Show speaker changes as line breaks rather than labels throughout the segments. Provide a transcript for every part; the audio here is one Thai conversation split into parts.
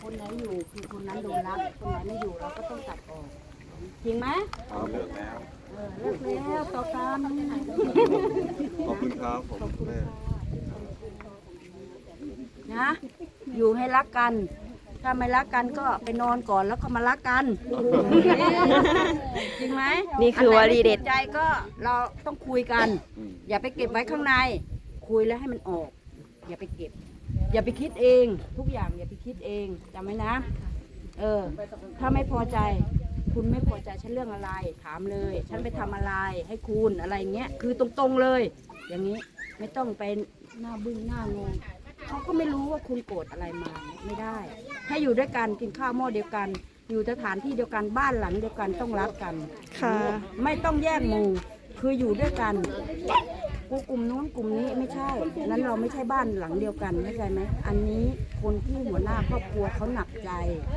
คนไหนอยู่คือคนนั้นโดนรักคนไหนไม่อยู่เราก็ต้องตัดออกจริงไหม
เลิกแล้ว
เลิกแล้วต่อกัน
ขอบคุณครับผมแม่
นะอยู่ให้รักกัน ถ้าไม่รักกันก็ไปนอนก่อนแล้วก็มารักกันจริงไหม
นี่คือวลีเด็ด
ใจก็เราต้องคุยกัน อย่าไปเก็บไว้ข้างใน คุยแล้วให้มันออก อย่าไปเก็บ อย่าไปคิดเอง ทุกอย่างอย่าไปคิดเองจำไว้นะถ้าไม่พอใจ คุณไม่พอใจฉันเรื่องอะไรถามเลย ฉันไปทำอะไรให้คุณอะไรเงี้ยคือตรงๆเลย อย่างนี้ไม่ต้องไปหน้าบึ้งหน้างงเขาก็ไม่รู้ว่าคุณโกรธอะไรมาไม่ได้ ให้อยู่ด้วยกันกินข้าวหม้อเดียวกัน อยู่สถานที่เดียวกันบ้านหลังเดียวกันต้องรักกัน
ค่ะ
ไม่ต้องแยกหมู่คืออยู่ด้วยกันกูกลุ่มนู้นกลุ่มนี้ไม่ใช่นั้นเราไม่ใช่บ้านหลังเดียวกันเข้าใจไหมอันนี้คนที่หัวหน้าครอบครัวเขาหนักใจ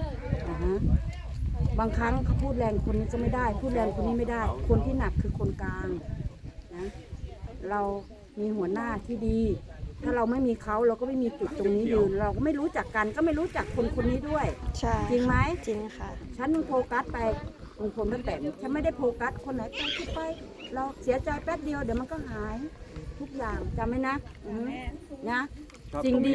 บางครั้งเขาพูดแรงคนนี้จะไม่ได้ พูดแรงคนนี้ไม่ได้ คนที่หนักคือคนกลางนะเรามีหัวหน้าที่ดี ถ้าเราไม่มีเขาเราก็ไม่มีจุดตรงนี้ยืนเราก็ไม่รู้จักกันก็ไม่รู้จักคนคนนี้ด้วย
ใช่
จริงไหม
จริงค่ะ
ฉันมึงโฟกัสไปลุงพลป้าแตนฉันไม่ได้โฟกัสคนไหนไปคิดไป เราเสียใจแป๊บเดียวเดี๋ยวมันก็หายทุกอย่างจำไหมนะนะจริงดี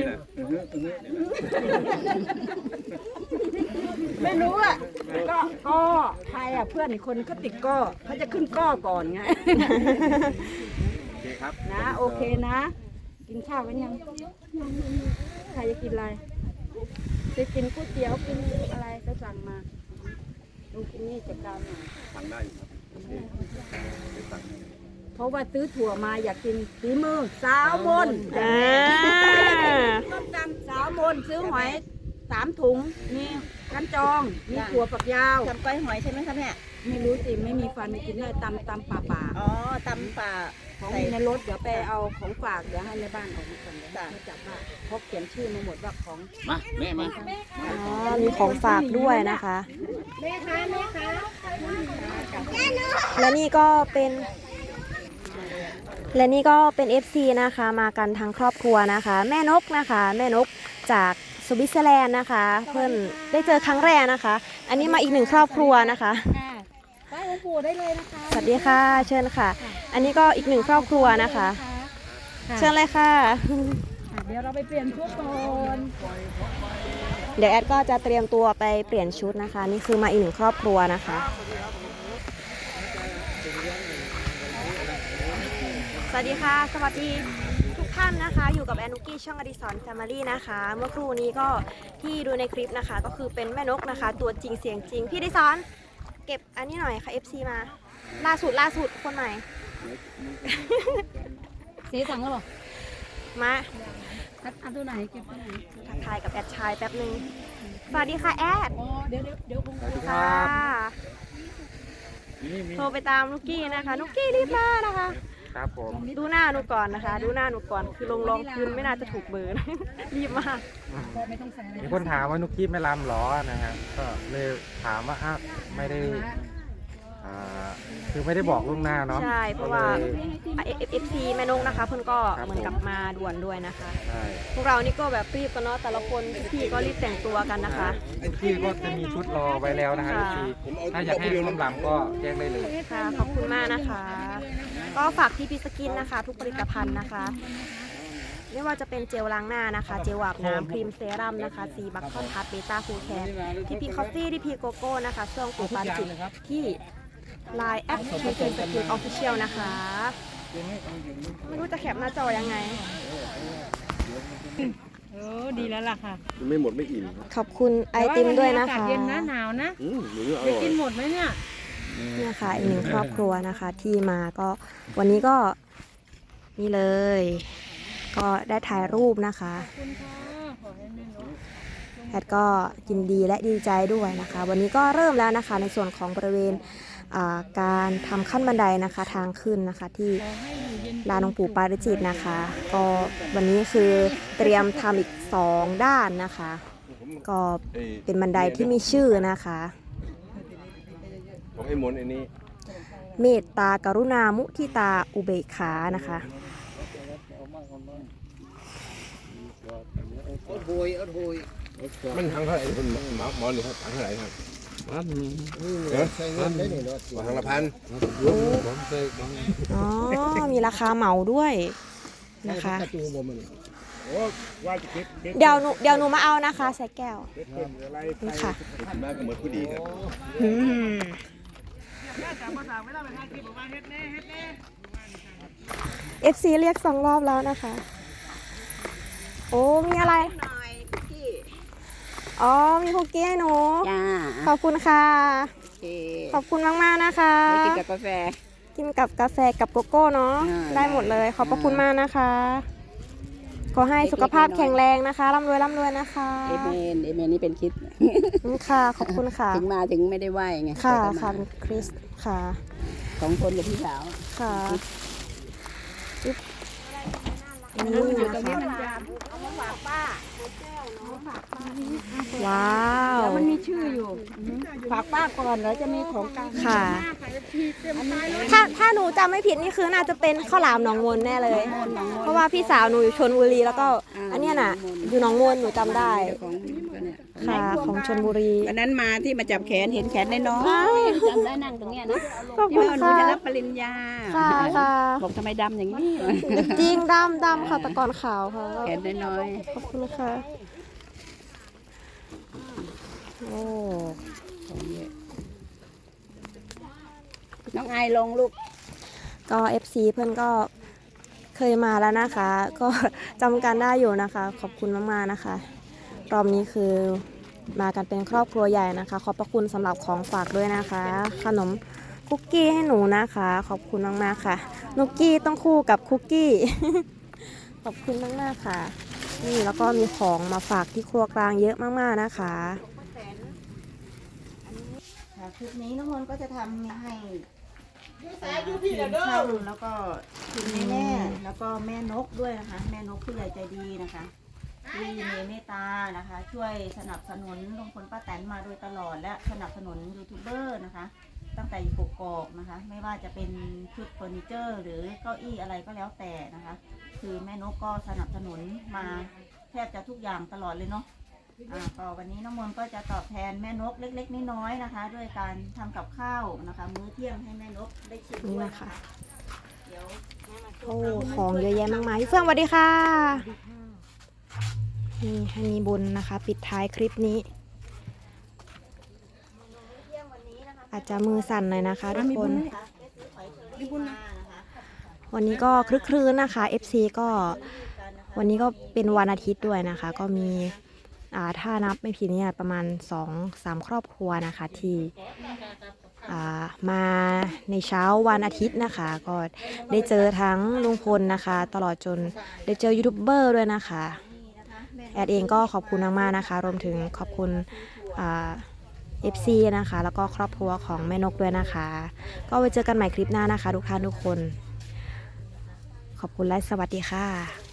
ไม่รู้อ่ะก็ใครอ่ะเพื่อนอีกคนเขาติดก้อเขาจะขึ้นก้อก่อนไง
โอเคครับ
นะโอเคนะ กินข้าวกันยังใครจะกินอะไรจะกินก๋วยเตี๋ยวกินอะไรก็สั่งมาดูกินนี่จัดการหน่อย
สั่งได้อยู่ครับไปสั่ง
เพราะว่าซื้อถั่วมาอยากกินฝีมือสาวมน
อ่า
ต้มตำสาวมนซื้อหอย3 ถุงมีกันจองมีถั่วฝักยาว
ทำก้อยหอยใช่ไหมคะแม่
ไม่รู้สิไม่มีฟันไม่กินได้ตำป่า
อ๋อตำป่า
ของ
ใส่
มีในรถเดี๋ยวไปเอาของฝากเดี๋ยวให้ในบ้านออกมาก่อนเดี๋ยวให้จับว่าเพราะเขียนชื่อมาหมดว่าของ
มาแม่มา
อ๋อมีของฝากด้วยนะคะ และนี่ก็เป็น FC นะคะ มากันทั้งครอบครัวนะคะ แม่นกนะคะ แม่นกจากสวิตเซอร์แลนด์นะคะ เพื่อนได้เจอครั้งแรกนะคะ อันนี้มาอีกหนึ่งครอบครัวนะคะ
ไหว้หลวงปู่ได้เลยนะคะ
สวัสดีค่ะ เชิญค่ะ อันนี้ก็อีกหนึ่งครอบครัวนะคะ เชิญเลยค่ะ
เดี๋ยวเราไปเปลี่ยนชุดก่อน
เดี๋ยวแอดก็จะเตรียมตัวไปเปลี่ยนชุดนะคะ นี่คือมาอีกหนึ่งครอบครัวนะคะ สวัสดีค่ะ สวัสดีทุกท่านนะคะ อยู่กับแอนนุกี้ช่องอดิสรแฟมิลี่นะคะ เมื่อครู่นี้ก็ที่ดูในคลิปนะคะ ก็คือเป็นแม่นกนะคะ ตัวจริงเสียงจริง พี่อดิสรเก็บอันนี้หน่อยค่ะ FC มาล่าสุดคนใหม่
เสียสั่งแล้วหรอ
มา
อันตัวไหนเก็บตัวไหน
ทักทายกับแอดชายแป๊บนึง สวัสดีค่ะแอด
อ๋อเดี๋ยวคง
ค่ะโทรไปตามนุกกี้นะคะ นุกกี้รีบมานะคะ
ครับผม
ดูหน้าหนูก่อนนะคะ ดูหน้าหนูก่อน คือลงรองพื้นไม่น่าจะถูกเบอร์นะ รีบมาก
ไม่ต้องใส่อะไร
มีคนถามว่านุกกี้ไม่รำหรอนะครับก็เลยถามว่าอ้าวไม่ได้คือไม่ได้บอกล่วงหน้าเนาะ
ใช่ เพราะว่า
ก็ลย
FC แม่นกนะคะ เพิ่นก็
ครับ
เหมือนกับมาด่วนด้วยนะคะ
ใช่
พวกเรานี่ก็แบบรีบกันเนาะ แต่ละคนพี่ก็รีบแต่งตัวกันนะคะ
นุกกี้ก็จะมีชุดรอไว้แล้วนะคะ
ค่ะ
นุกกี้ถ้าอยากให้ร่วมรำก็แจ้งได้เลย
ค่ะ ขอบคุณมากนะคะ ก็ฝากที่พีสกินนะคะ ทุกผลิตภัณฑ์นะคะ ไม่ว่าจะเป็นเจลล้างหน้านะคะ เจลอาบน้ำครีมเซรั่มนะคะซีบัคคอนทัสเบต้าฟูแคร์ทีพีคอฟฟี่ทีพีโกโก้นะคะช่วงปู่ปานจิตที่ไลน์แอปทีพีสกินออฟฟิเชียลนะคะ ไม่รู้จะแคปหน้าจอยังไง
ดีแล้วล่ะค่ะ
ไม่หมดไม่อิ่ม
ขอบคุณไอติมด้วยนะคะ
เย็นนะหนาวนะ
หรืออ
จะ
ร่อย
กินหมดไหมเนี่ย
เนี่ยค่ะอีกหนึ่งครอบครัวนะคะที่มาก็วันนี้ก็นี่เลย ก็ได้ถ่ายรูปนะคะแอดก็ยินดีและดีใจด้วยนะคะ วันนี้ก็เริ่มแล้วนะคะในส่วนของบริเวณการทำขั้นบันไดนะคะทางขึ้นนะคะที่ลานหลวงปู่ปาริจิตนะคะ ก็วันนี้คือเตรียมทำอีก2 ด้านนะคะ ก็เป็นบันไดที่มีชื่อนะคะ
ของไอ้มนต์ไอ้นี่
เมตตากรุณามุทิตาอุเบกขานะคะ
อดโหย
มันทางเท่าไหร่คุณหมอหรือครับทางเท่าไหร่ครับใช้เงินได้หนึ่งทางละพัน
อ๋อมีราคาเหมาด้วยนะคะเดี๋ยวหนูมาเอานะคะใส่แก้วนี่ค่ะ
มาก็เหมือนผู้ดีครับ
FC เรียก2 รอบแล้วนะคะ โอ้มีอะไรอ๋อมีคุกกี้ให้หนู
จ้า
ขอบคุณค่ะ
โอเค
ขอบคุณมากๆนะคะ
ไม่กินกับกาแฟ
กินกับกาแฟกับโกโก้เนาะ
อ่า
ได้หมดเลย ขอบพระคุณมากนะคะ ขอให้สุขภาพแข็งแรงนะคะร่ำรวยนะคะ
เอเมนนี่เป็นคิด
ค่ะ ขอบคุณค่ะ
ถึงมาถึงไม่ได้ไหวไง
ค่ะ
แต่ก็มา
ค่ะเป็นคริสค่ะ
ของคนกับพี่สาว
ค่ะนี่นะคะว้าว
แล้วมันมีชื่ออยู่ฝากป้าก่อนแล้วจะมีของกลาง
ค่ะ ถ้าหนูจำไม่ผิดนี่คือน่าจะเป็นข้าวหลามหนองมนแน่เลย เพราะว่าพี่สาวหนูอยู่ชลบุรีแล้วก็อันเนี้ยน่ะ อยู่หนองมนหนูจำได้
ของเนี่ย
ค่ะของชลบุรี
วันนั้นมาที่มาจับแขนเห็นแขนน้อย
อ้าว
ๆจำได้นั่งตรงเนี้ยนะ
ขอบ
ที่
คุณ
ว่าหนู
ค่ะ
จะรับปริญญา
ค่ะค่ะ
บอกทำไมดำอย่างนี้
จริงดำค่ะแต่ก่อนขาวค่ะ
แขนน้อย
ขอบคุณค่ะโอ้
ๆของเยอะน้องไอลงลูก
ก็ FC เพื่อนก็เคยมาแล้วนะคะ ก็จำกันได้อยู่นะคะ ขอบคุณมากๆนะคะ รอบนี้คือมากันเป็นครอบครัวใหญ่นะคะ ขอบพระคุณสำหรับของฝากด้วยนะคะ ขนมคุกกี้ให้หนูนะคะ ขอบคุณมากๆค่ะนุกกี้ต้องคู่กับคุกกี้ ขอบคุณมากๆค่ะ นี่แล้วก็มีของมาฝากที่ครัวกลางเยอะมากๆนะคะ
ค่ะคลิปนี้น้องมนต์ก็จะทำให้ทีมช่างแล้วก็ทีมแม่แล้วก็แม่นกด้วยนะคะ แม่นกผู้ใหญ่ใจดีนะคะที่มีเมตตานะคะ ช่วยสนับสนุนลุงพลป้าแตนมาโดยตลอดและสนับสนุนยูทูบเบอร์นะคะ ตั้งแต่อยู่กกอกนะคะ ไม่ว่าจะเป็นชุดเฟอร์นิเจอร์ หรือเก้าอี้อะไรก็แล้วแต่นะคะ คือแม่นกก็สนับสนุนมาแทบจะทุกอย่างตลอดเลยเนาะก็วันนี้น้องมนต์ก็จะตอบแทนแม่นกเล็กๆน้อยๆนะคะ ด้วยการทำกับข้าวนะคะ มื้อเที่ยงให้แม่นกได้ชิม
นี่
ด้วย
นะคะ
เดี๋ยวแม่มาช่วย
โอ้ของเยอะแยะมากมายพี่เฟื่องสวัสดีค่ะนี่ให้มีบุญนะคะ ปิดท้ายคลิปนี้ อาจจะมือสั่นหน่อยนะคะทุกคน วันนี้ก็คลึกครื้นนะคะ FC ก็วันนี้ก็เป็นวันอาทิตย์ด้วยนะคะ ก็มีถ้านับไม่ผิดเนี่ยประมาณ 2-3 ครอบครัวนะคะที่มาในเช้าวันอาทิตย์นะคะ ก็ได้เจอทั้งลุงพลนะคะ ตลอดจนได้เจอยูทูบเบอร์ด้วยนะคะแอดเองก็ขอบคุณมากๆนะคะ รวมถึงขอบคุณFC นะคะ แล้วก็ครอบครัวของแม่นกด้วยนะคะ ก็ไว้เจอกันใหม่คลิปหน้านะคะ ทุกท่านทุกคน ขอบคุณและสวัสดีค่ะ